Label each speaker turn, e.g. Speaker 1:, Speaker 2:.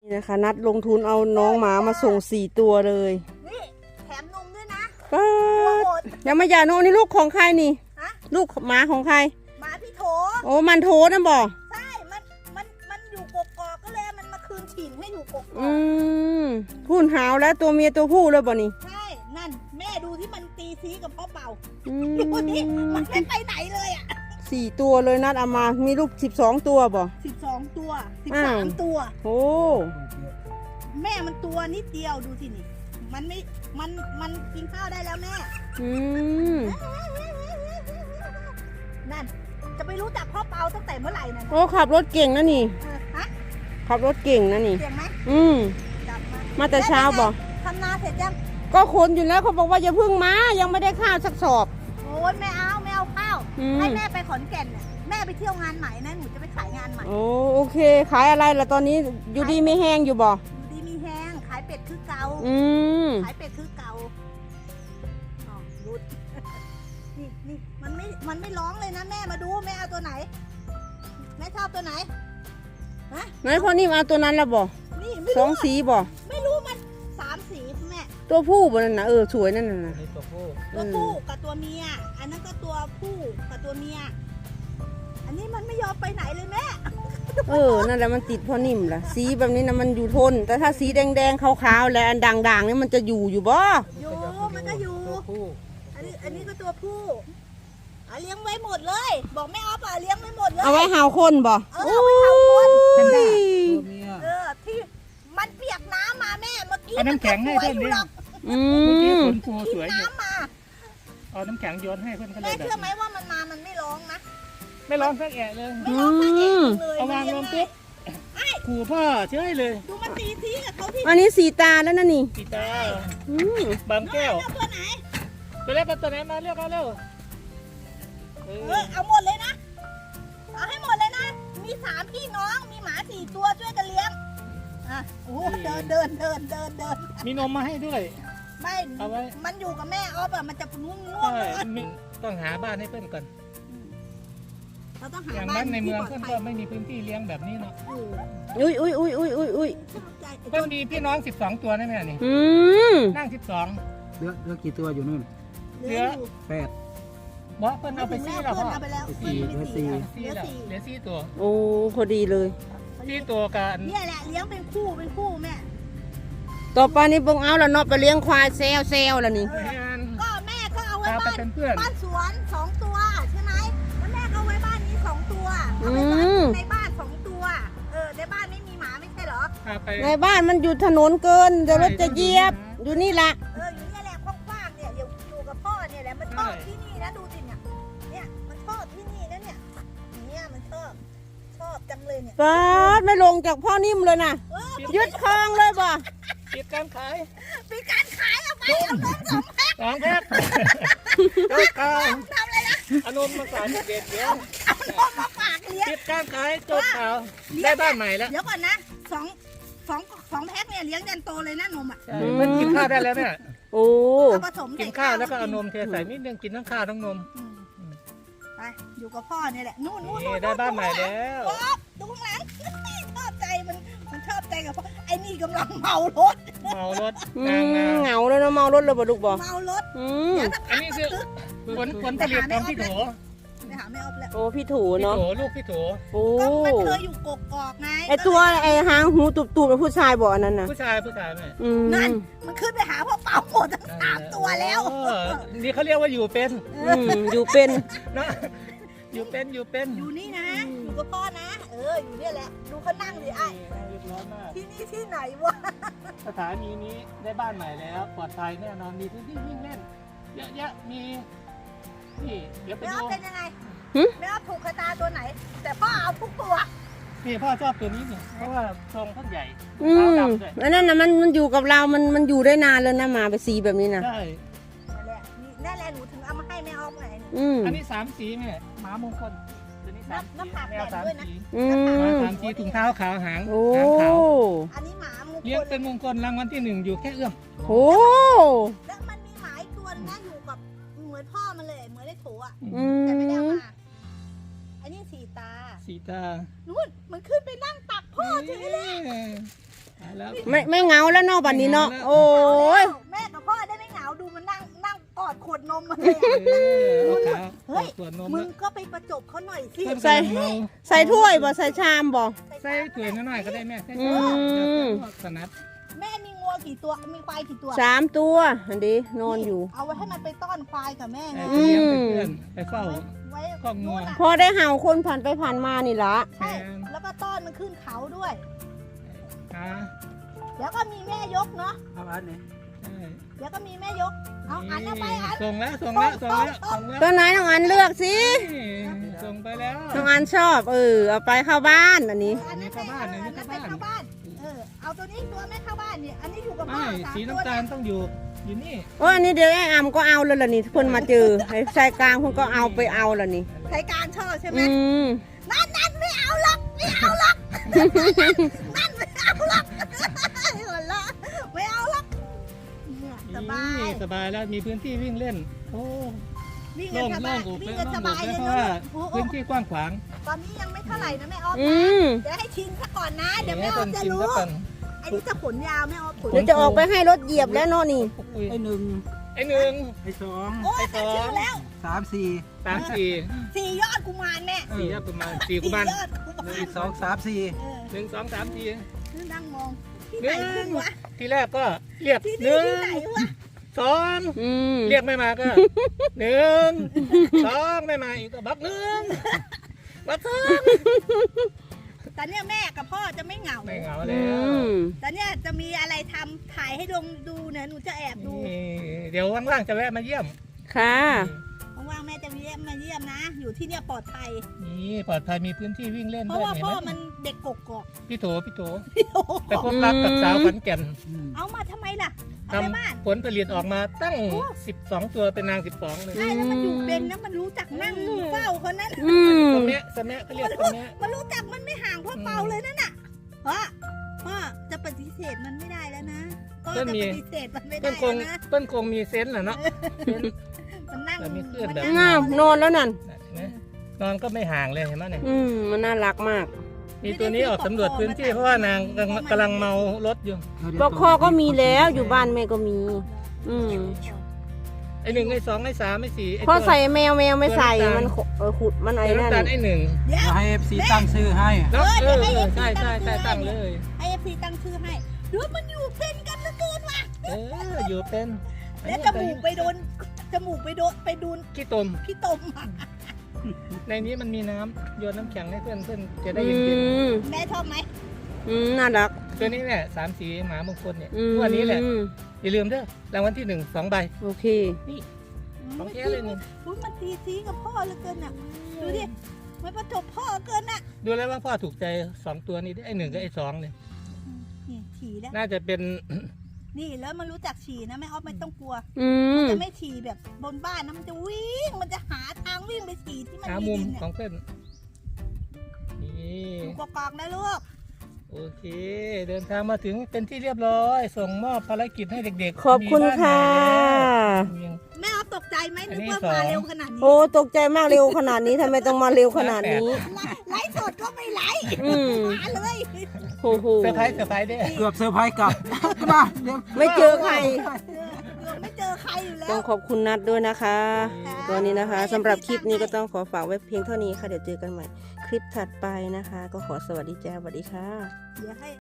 Speaker 1: นี่นะคะนัดลงทุนเอาน้องหมามาส่ง4 ตัวเลย
Speaker 2: นี่แถมนมด้วยนะ
Speaker 1: ป้ายังไม่หย่านมนี่ลูกของใครนี่ลูกหมาของใคร
Speaker 2: หมาพี่โถ
Speaker 1: โอ้มันโถนะบ่
Speaker 2: ใช่มันอยู่กกอกก็เลยมันมาคืนถิ่นให้อยู่กกอก
Speaker 1: พูนหาวแล้วตัวเมียตัวผู้เลยบ่นี่
Speaker 2: ใช่นั่นแม่ดูที่มันตีซีกับพ่อเป่าดูนี่มันไม่ไปไหนเลยอ่ะ
Speaker 1: 4 ตัวเลยนัดเอามามีลูก12 ตัวบ่
Speaker 2: 12 ตัว13 ตัว
Speaker 1: โอ้
Speaker 2: แม่มันตัวนิดเดียวดูสินี่มันไม่มันกินข้าวได้แล้วแม่นั่นจะไปรู้จักพ่อเปาตั้งแต่เมื่อไหร่นะ
Speaker 1: โอ้ขับรถเก่งนะนี่ขับรถเก่งนะนี่
Speaker 2: เก่งไหม
Speaker 1: จับมาแต่เช้าบ่
Speaker 2: ทำนาเสร็จยัง
Speaker 1: ก็คนอยู่แล้วเขาบอกว่าอย่าพึ่งมายังไม่ได้ข้าวสักสอบ
Speaker 2: โอ้ยไม่เอาข้าวให้แม่ไปขอนแก่นเนี่ยแม่ไปเที่ยวงานใหม่นะหนูจะไปขายงานใหม่
Speaker 1: โอเคขายอะไรล่ะตอนนี้อยู่ดีไม่แห้งอยู่บ่
Speaker 2: อยู่ดีมีแห้งขายเป็ดคือเก่าขายเป็ดคือเก่าอ๋อรุดนี่มันไม่ร้องเลยนะแม่มาดูแม่เอาตัวไหนแม่ชอบตัวไหน
Speaker 1: ไหนพ่อนี่มาเอาตัวนั้นแล้วบ่
Speaker 2: นี่
Speaker 1: 2 สีบ่
Speaker 2: ไม่รู้มัน3 สีแม่
Speaker 1: ตัวผู้บ่นั่นนะสวยนั่นน่ะ
Speaker 2: ตัวผู้กับตัวเมียอันนั้นก็ตัวผู้กับตัวเมียอันนี้มันไม่ยอมไปไหนเลยแม่
Speaker 1: นั่นแหละมันติดพ่อนิ่มล่ะสีแบบนี้นะมันอยู่ทนแต่ถ้าสีแดงๆขาวๆแล้วอันด่างๆนี่มันจะอยู่บ่
Speaker 2: อยู่มันก็อยู่อันนี้ก็ตัวผู้เลี้ยงไว้หมดเลยบอกแม่ออฟเลี้ยงไว้หมดเลย
Speaker 1: เอาไว้หาคนบ่
Speaker 2: เอาไว้หาคนที่มันเปียกน้ำมาแม่เมื่อกี้
Speaker 3: เอาน้ำแข็งให้เพื่อนดิเมื่อกี้ฝนปูสวยอยู่เอาน้ำแข็งโยนให้เพื่อนก็เลย
Speaker 2: แม่เชื่อไหมว่ามันมามันไม่ร้องนะ
Speaker 3: ไม่ร้องสักแอะเลย
Speaker 2: ไม่ร้องสักแอะเลย
Speaker 3: เอาวางลงปุ๊บขู่พ่อเชื่อเลย
Speaker 2: ดูมันตีทีกับเขาที่
Speaker 1: อันนี้4 ตาแล้วนะนี่
Speaker 3: 4 ตาบางแก้ว
Speaker 2: ตัวไหน
Speaker 3: ตัวแรกตัวไหนมาเรียกมาเร็ว
Speaker 2: เอาหมดเลยนะเอาให้หมดเลยนะมี3 พี่น้องมีหมา4 ตัวช่วยกันเลี้ยงโอ้เดิน
Speaker 3: มีนมมาให้ด้วย
Speaker 2: ไม่มันอยู่กับแม่ออฟมันจะง่วง
Speaker 3: ต้องหาบ้านให้เพื่อนก่อน
Speaker 2: เราต้องหา
Speaker 3: อย่างบ้านในเมืองเพื่อนก็ไม่มีพื้นที่เลี้ยงแบบนี้เนาะ
Speaker 1: อุ้ย
Speaker 3: เพื่อนมีพี่น้อง12 ตัวนะแม่นี่นั่ง12
Speaker 4: เหลือกี่ตัวอยู่นู่น
Speaker 3: เหลือ
Speaker 4: 8
Speaker 3: บอกเพื่อนเอาไปซี่แล้วพ่อ
Speaker 4: เหลือ
Speaker 3: 4ตัว
Speaker 1: โอ้พอดีเลย
Speaker 3: 4 ตัวกัน
Speaker 2: เนี่ยแหละเลี้ยงเป็นคู่แม่
Speaker 1: ต่อไปนี่บงเอาแล้วเนาะไปเลี้ยงควายเซลแล้วนี่
Speaker 2: ก็แม่ก็เอาไว้บ้านสวน2 ตัวใช่ไหมแล้วแม่ก็เอาไว้บ้านนี้2 ตัวเอาไว้ในบ้าน2 ตัวในบ้านไม่มีหมาไม่ใช่เหรอ
Speaker 1: ในบ้านมันอยู่ถนนเกินเดี๋ยวรถจะเหยียบอยู่นี่ละ
Speaker 2: อยู่นี่แหละกว้างๆเนี่ยอยู่กับพ่อเนี่ยแหละมันชอบที่นี่นะดูสิเนี่ยมันชอบที่นี่นะเนี่ยมันชอบจังเลยเนี่ย
Speaker 1: ป๊าดไม่ลงจากพ่อนิ่มเลยนะยึดคลองเลยบ่
Speaker 3: ปิดการขาย
Speaker 2: เอาไปเอานม2 แพ็ค
Speaker 3: 2 แพ็ค
Speaker 2: ทำอะไรนะ
Speaker 3: เอานมมาขายเด็ดเดี๋ยว
Speaker 2: เอานมมาฝากเลี้ยง
Speaker 3: ปิดการขายจบข่าวได้บ้านใหม่แล้ว
Speaker 2: เดี๋ยวก่อนนะ2 แพ็คเนี่ยเลี้ยงยันโตเลยนะนม
Speaker 3: มันกินข้าวได้แล้วเนี่ย
Speaker 1: โอ้
Speaker 3: กินข้าวแล้วก็เอานมเทใส่นิดนึงกินทั้งข้าวทั้งนม
Speaker 2: ไปอยู่กับพ่อเนี่ยแหละนู่น
Speaker 3: ได้บ้านใหม่แล้ว
Speaker 2: ดูข้างหลังชอบใจมันชอบใจกับพ่อไอ้นี่กำลังเมารถ
Speaker 1: เหงาแล้วนะเมารถเลยบ่ลูกบ่
Speaker 2: เมารถ
Speaker 3: อันนี้คือผลผลิตของพี่โถ
Speaker 2: ไปหาแม่ออฟแล้ว
Speaker 1: โอ้พี่ถูเนาะ
Speaker 3: ลูกพี่โถ
Speaker 1: โอ้
Speaker 2: มันเคยอยู่กกอกไง
Speaker 1: ไอตัวไอหางหูตุบๆเป็นผู้ชายบ่อันนั้นนะ
Speaker 3: ผู้ชายแม่
Speaker 2: นั่นมันขึ้นไปหาพ่อเป่าหมดทั้ง3 ตัวแล้ว
Speaker 3: นี่เขาเรียกว่าอยู่เป็น
Speaker 1: อยู่เป็น
Speaker 3: นะอยู่เป็น
Speaker 2: อยู่นี่นะอยู่กับพ่อนะอยู่เนี่ยแหละดูเขานั่งดิไอ้ที่นี่ที่ไหนวะ
Speaker 3: สถานีนี้ได้บ้านใหม่แล้วปลอดภัยแน่นอนมีพื้นที่วิ่งเล่นเยอะๆมีนี่เดี๋ยวไปดู
Speaker 2: เป็นยังไงไม่เอาถูกกระตาตัวไหนแต่พ่อเอาทุกตัว
Speaker 3: นี่พ่อชอบตัวนี้เนี่ยเพราะว่าทรงเขาใหญ่
Speaker 1: แล้วนั่นนะมันอยู่กับเรามันอยู่ได้นานเลยนะหมาไปสีแบบนี้นะ
Speaker 3: ใช่
Speaker 2: นั่นแหละหนูถึงเอามาให้แม่ออฟไง
Speaker 3: อันนี้3 สีแม่หมามงคลตัวนี้
Speaker 2: น้ำผักแดดด้วยนะ
Speaker 3: 3 สีถุงเท้าขาวหางขาว
Speaker 2: อันนี้หมามงคล
Speaker 3: เลี้ยงเป็นมงคลรางวัลที่1อยู่แค่เอื้อม
Speaker 1: โอ้
Speaker 2: แล้วมันมีหมาอีกตัวนะอยู่กับเหมือนพ่อมันเลยเหมือนได้โถแต่ไม่ได้เอามาอันนี้4 ตา
Speaker 3: 4 ตา
Speaker 2: นู่นมันขึ้นไปนั่งตักพ่อเฉยเลย
Speaker 3: แล้ว
Speaker 1: ไม่เหงาแล้วเนาะบัดนี้เนาะโอ้ย
Speaker 2: แม่กับพ่อได้ไม่เหงาดูมันนั่งกอดขวดนมมาเลยอะ
Speaker 3: เอาขา
Speaker 2: เฮ้ย
Speaker 3: ขวดนม
Speaker 2: มึงก็ไปประจบเขาหน่อยสิ
Speaker 3: เพิ่ม
Speaker 1: ใส่
Speaker 3: กำลังเมา
Speaker 1: ใส่ถ้วยบ่ใส่ชามบ่
Speaker 3: ใส่ถ้วยน้อยๆก็ได้แม่ใส่
Speaker 1: อื
Speaker 3: ถ้วย
Speaker 1: ม
Speaker 3: สนัด
Speaker 2: แม่มีงัวกี่ตัวมีควายกี่ตัว
Speaker 1: 3 ตัวอันนี้นอนอยู่
Speaker 2: เอาไว้ให้มันไปต้อนควายกับแม่ไง
Speaker 3: ไปเลี้ยงไปเพื่อนไปเฝ้า
Speaker 2: ไว้
Speaker 3: ครอบงัว
Speaker 2: นู่นน่ะ
Speaker 1: พอได้เห่าคนผ่านไปผ่านมานี่ละ
Speaker 2: ใช่แล้วก็ต้อนมันขึ้นเขาด้วย
Speaker 3: อ่า
Speaker 2: แล้วก็มีแม่ยกเนาะ
Speaker 4: เอาอันนี้
Speaker 3: ใช่
Speaker 2: แล้วก็มีแม่ยกเอาอันเอาไปอัน
Speaker 3: ส่งแล้วส่งแล้วส่งแล้วส่งแล้ว
Speaker 1: ตัวไหนน้องอันเลือกสิ
Speaker 3: นี่ส่งไปแล้ว
Speaker 1: น้องอันชอบเอาไปเข้าบ้านอันนี้
Speaker 2: อันนั้น
Speaker 3: เข้าบ้านอันนี้
Speaker 2: อันนั้นไป
Speaker 3: เข้าบ้าน
Speaker 2: เข้าบ้านเอาตัวนี้ตัวแม่เข้าบ้านเนี่ยอันนี้อยู่กับพ่อ
Speaker 3: ไม่
Speaker 2: สาม
Speaker 3: สี
Speaker 2: ตัว
Speaker 3: น้ำตาลต้องอยู่นี่
Speaker 1: โอ้ยอันนี้เดี๋ยวไอ้อำก็เอาแล้วล่ะนี่เพิ่นมาเจอไอ้ชายกลางเพิ่นก็เอาไปเอาแล้วนี่
Speaker 2: ใช้การชอบใช่ไหม
Speaker 1: อืม
Speaker 2: นั่นไม่เอาหรอกไม่เอาหรอกนั่นไม่เอาหรอกหัวเราะไม่เอาหรอกเนี่ยสบาย
Speaker 3: นี่สบายแล้วมีพื้นที่วิ่งเล่นโอ้
Speaker 2: วิ่ง
Speaker 3: โล่
Speaker 2: กัน
Speaker 3: ง
Speaker 2: ส
Speaker 3: โล่
Speaker 2: บาง ย
Speaker 3: อก
Speaker 2: วิ่ง
Speaker 3: เลย
Speaker 2: กัน
Speaker 3: โล่
Speaker 2: ส
Speaker 3: งอก
Speaker 2: บาย
Speaker 3: เล
Speaker 2: เลย ย
Speaker 3: เพราะ
Speaker 2: เน
Speaker 3: ว่า
Speaker 2: อะ
Speaker 3: พื้นที่กว้างขวาง
Speaker 2: ตอนนี้ยังไม่เท่าไหร่นะแม่ออฟ
Speaker 1: อื
Speaker 2: นะ
Speaker 1: ม
Speaker 2: เดี๋ยวให้ชิมซะก่อนนะเดี๋ยวแม่อ
Speaker 3: ต้
Speaker 2: อน ฟจะ
Speaker 3: ชิม
Speaker 2: รู้
Speaker 3: ซะก่อน
Speaker 2: ไอ้นี่จะขนยาวแม่ออฟขน
Speaker 1: เดี๋ยวจะออกไปให้รถเหยียบแล้วเนาะนี่
Speaker 3: อุ้ย
Speaker 4: ไอ้1
Speaker 3: ไอ้หนึ่ง
Speaker 4: ไอ้2
Speaker 2: โอ้ยแต่ชื่อแล้ว
Speaker 4: 3 4
Speaker 3: สามสี่
Speaker 2: สี่ยอดกุมารแม่
Speaker 3: สี่ประมาณสี่กุมาร
Speaker 2: ยอดกุมาร
Speaker 4: 1 2 3 4
Speaker 3: หนึ่งสองสามสี่
Speaker 2: นั่งมองที่
Speaker 3: ห
Speaker 2: ไหน
Speaker 3: นึ่
Speaker 2: ขึ้
Speaker 3: ง
Speaker 2: นวะ
Speaker 3: ทีแรกก็เรียก
Speaker 2: ที่
Speaker 3: ห
Speaker 2: นี่
Speaker 3: นึ่ง
Speaker 2: ที่ไหนวะ
Speaker 3: สอง
Speaker 1: อืม
Speaker 3: เรียกไม่มาก็หนึ่งสองไม่มาอีกก็บักหนึ่งบักสอง
Speaker 2: แต่เนี่ยแม่กับพ่อจะไม่เหงา
Speaker 3: ไม่เหงา
Speaker 1: อื
Speaker 3: แล้ว
Speaker 1: ม
Speaker 2: แต่เนี่ยจะมีอะไรทำถ่ายให้ดูเนี่ยหนูจะแอบดู
Speaker 3: นี่เดี๋ยวว่างๆจะแวะมาเยี่ยม
Speaker 1: ค่ะ
Speaker 2: ว่างๆแม่จะมาเยี่ยมนะ อยู่ที่เนี่ยปลอดภัย
Speaker 3: นี่ปลอดภัยมีพื้นที่วิ่งเล่น
Speaker 2: เพ
Speaker 3: ด้ว
Speaker 2: ราะ
Speaker 3: ย
Speaker 2: ว่า
Speaker 3: เห็น
Speaker 2: พ่อ
Speaker 3: ไหม
Speaker 2: มันเด็กกกอก
Speaker 3: พี่โถพี่โถ
Speaker 2: โอ้โห
Speaker 3: ไปพบรักกับสาวขอนแก่น
Speaker 2: เอามาทำไมล่ะ
Speaker 3: ท
Speaker 2: เอาไปบ้าน
Speaker 3: ำผลผลิตออกมาตั้ง 12 ตัวเป็นนาง 12 เลย
Speaker 2: ใช่แล้วมันอยู่เป็นนะมันรู้จักนั่งเฝ้าคนนั้น
Speaker 1: อืม
Speaker 3: สมะสมะเขาเรียกสมะ
Speaker 2: มันรู้จักมันไม่ห่างพ่อเปาเลยนั่นน่ะพ่อจะปฏิเสธมันไม่ได้แล้วนะพ่อจะปฏิเสธมันไม่
Speaker 3: เปิ้
Speaker 2: ได้
Speaker 3: ลคง
Speaker 2: แล้วนะ
Speaker 3: เปิ้ลคงมีเซนส์แหละเนาะเซนส์
Speaker 2: มันนั่ง
Speaker 3: แต่มีคลื่นแบบ
Speaker 2: มั
Speaker 1: อ้าวนอนแล้วนั่น
Speaker 3: เห็นไหมนอนก็ไม่ห่างเลยเห็นไหมเนี่ย
Speaker 1: มันน่ารักมาก
Speaker 3: มีตัวนี้ออกสำรวจพื้นที่เพราะว่านางกำลังเมารถอยู่
Speaker 1: ปลอกคอก็มีแล้วอยู่บ้านแม่ก็มี อืม
Speaker 3: ไอ้หนึ่งไอ้สองไอ้สามไอ้สี่ไอ้
Speaker 1: พอ
Speaker 3: ตัว
Speaker 1: ใส่แมวไม่ใส่
Speaker 3: ตัวน้ำตาล
Speaker 1: มันขุดมันไอ้
Speaker 3: ไอ้
Speaker 1: นั่น
Speaker 3: น้ำตาลไอ้หนึ่ง
Speaker 2: เดี๋ยว
Speaker 4: ให้ FC ตั้งชื่อให้
Speaker 3: แล้ว
Speaker 2: เดี๋ยวให้ FC
Speaker 3: ใช่ใช่ใช่
Speaker 2: ตั้
Speaker 3: ตั้
Speaker 2: ง
Speaker 3: ง
Speaker 2: ชื่
Speaker 3: เล
Speaker 2: อ
Speaker 3: ย
Speaker 2: ให้ FC ตั้งชื่อให้ดูมันอยู่เป็นกันเหลือเกินว่ะ
Speaker 3: อยู่เป็น
Speaker 2: แล้วจมูกไปโดนไปดูน
Speaker 3: ขี้ตม
Speaker 2: พี่ตมอะ
Speaker 3: ในนี้มันมีน้ำโยนน้ำแข็งให้เพื่อนจะได้
Speaker 1: อื
Speaker 3: เย็น
Speaker 1: ม
Speaker 2: แม่ชอบไหม
Speaker 1: น่ารัก
Speaker 3: ๆตัวนี้เนี่ย3 สีหมามงคลเนี่ย
Speaker 1: อืม
Speaker 3: วันนี้แหละอย่าลืมเด้อรางวัลที่ 1 2 ใบ
Speaker 1: โอเค
Speaker 3: ของแท้เลยนี่
Speaker 2: อุ๊ยมันตีซีกับพ่อเหลือเกินอ่ะดูดิมันประจบพ่อเกินอ่ะ
Speaker 3: ดูแล้วว่าพ่อถูกใจ2 ตัวนี้ไอ้1กับไอ้2เนี่ย
Speaker 2: นี่ฉี่แล้ว
Speaker 3: น่าจะเป็น
Speaker 2: นี่แล้วมันรู้จักฉี่นะแม่ออฟไม่ต้องกลัว
Speaker 1: อืม
Speaker 2: จะไม่ฉี่แบบบนบ้านนะมันจะวิ่งมันจะหาทางวิ่งไปฉี่ที่มัน
Speaker 3: หา
Speaker 2: มี
Speaker 3: มุม
Speaker 2: ดินเนี่ย
Speaker 3: ของเพื่อนนี่
Speaker 2: อยู่กอกๆนะลูก
Speaker 3: โอเค เดินทางมาถึงเป็นที่เรียบร้อย ส่งมอบภารกิจให้เด็กๆ
Speaker 1: ขอบคุณ
Speaker 3: มีบ้าน
Speaker 1: ค่ะ
Speaker 3: ใหม่แล้ว
Speaker 2: แม่ออฟตกใจไหม
Speaker 3: อั
Speaker 2: นึ
Speaker 3: น
Speaker 2: ก
Speaker 3: นี้
Speaker 2: ว่า
Speaker 3: สอง
Speaker 2: มาเร็วขนาดนี้
Speaker 1: โอ้ตกใจมากเร็วขนาดนี้ทำไมต้องมาเร็วขนาดนี้
Speaker 2: ไลฟ์สดก็ไม่ไลฟ์
Speaker 1: อืม
Speaker 2: มาเลย
Speaker 1: โอ้โห
Speaker 3: เซอร์ไพรส์เด้อ
Speaker 4: เกือบเซอร์ไพรส์กลับนะเดี๋ยว
Speaker 1: ไม่เจอใคร
Speaker 2: ไม่เจอใครอยู่แล้
Speaker 1: ต้อ
Speaker 2: ว
Speaker 1: งขอบคุณนัดด้วยนะคะตอนนี้นะคะสำหรับคลิปนี้ก็ต้องขอฝากไว้เพียงเท่านี้ค่ะ เดี๋ยวเจอกันใหม่ คลิปถัดไปนะคะ ก็ขอสวัสดีจ้าสวัสดีค่ะ
Speaker 2: เดี๋ยวให้